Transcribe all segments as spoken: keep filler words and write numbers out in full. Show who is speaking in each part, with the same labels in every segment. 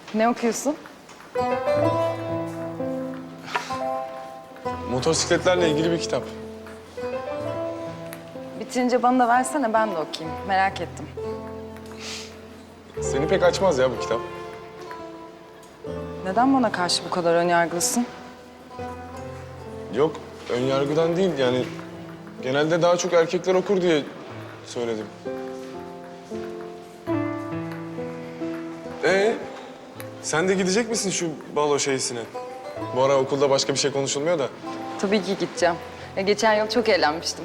Speaker 1: Ne okuyorsun?
Speaker 2: Motosikletlerle ilgili bir kitap.
Speaker 1: Bitirince bana da versene, ben de okuyayım. Merak ettim.
Speaker 2: Seni pek açmaz ya bu kitap.
Speaker 1: Neden bana karşı bu kadar önyargılısın?
Speaker 2: Yok, ön yargıdan değil yani. Genelde daha çok erkekler okur diye söyledim. Ee, sen de gidecek misin şu balo şeysine? Bu ara okulda başka bir şey konuşulmuyor da.
Speaker 1: Tabii ki gideceğim. Ya geçen yıl çok eğlenmiştim.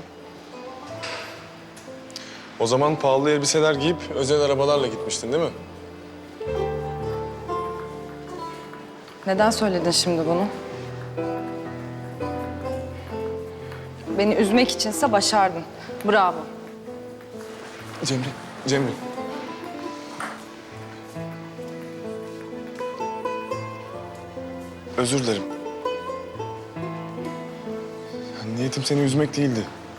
Speaker 2: O zaman pahalı elbiseler giyip özel arabalarla gitmiştin değil mi?
Speaker 1: Neden söyledin şimdi bunu? Beni üzmek içinse başardın. Bravo.
Speaker 2: Cemre, Cemre. Özür dilerim. Yani niyetim seni üzmek değildi.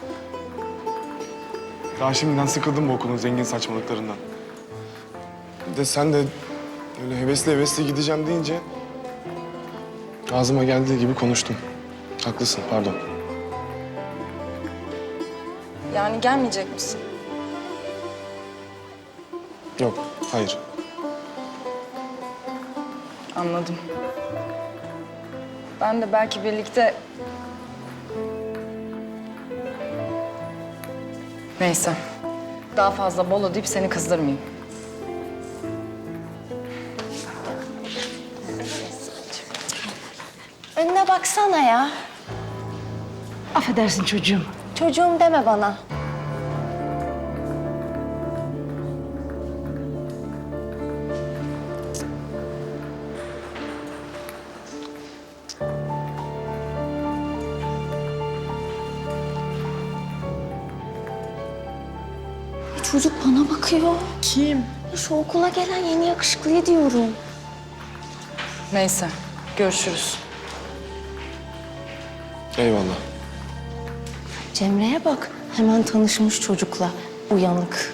Speaker 2: Daha şimdiden sıkıldım bu okulun zengin saçmalıklarından. Bir de sen de öyle hevesli hevesli gideceğim deyince ağzıma geldiği gibi konuştum. Haklısın, pardon.
Speaker 1: Yani gelmeyecek misin?
Speaker 2: Yok, hayır.
Speaker 1: Anladım. Ben de belki birlikte... Neyse. Daha fazla bolo deyip seni kızdırmayayım.
Speaker 3: Önüne baksana ya.
Speaker 4: Affedersin çocuğum.
Speaker 3: Çocuğum deme bana. Çocuk bana bakıyor.
Speaker 4: Kim?
Speaker 3: Ya şu okula gelen yeni yakışıklıyı diyorum.
Speaker 1: Neyse. Görüşürüz.
Speaker 2: Eyvallah.
Speaker 3: Cemre'ye bak. Hemen tanışmış çocukla. Uyanık.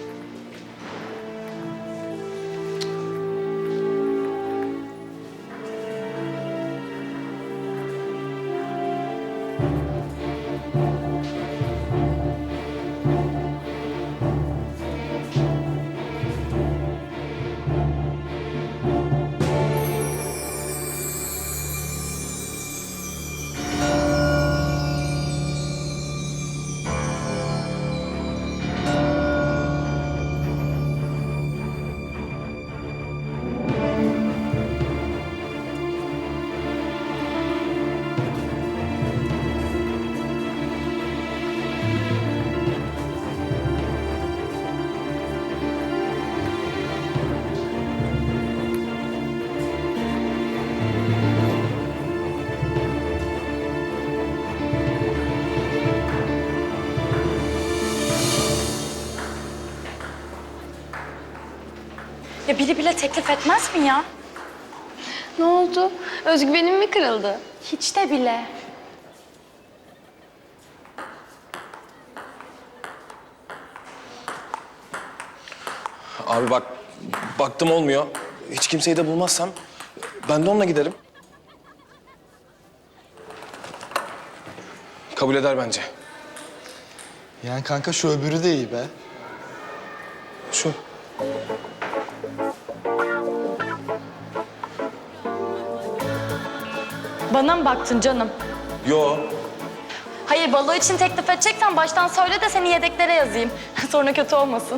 Speaker 5: Ya biri bile teklif etmez mi ya?
Speaker 3: Ne oldu? Özgüvenim mi kırıldı?
Speaker 5: Hiç de bile.
Speaker 6: Abi bak, baktım olmuyor. Hiç kimseyi de bulmazsam ben de onunla giderim. Kabul eder bence.
Speaker 7: Yani kanka şu öbürü de iyi be.
Speaker 6: Şu.
Speaker 5: Bana mı baktın canım?
Speaker 6: Yo.
Speaker 5: Hayır, balo için teklif edeceksen baştan söyle de seni yedeklere yazayım. Sonra kötü olmasın.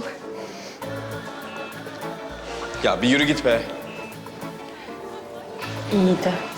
Speaker 6: Ya bir yürü git be.
Speaker 5: İyiydi.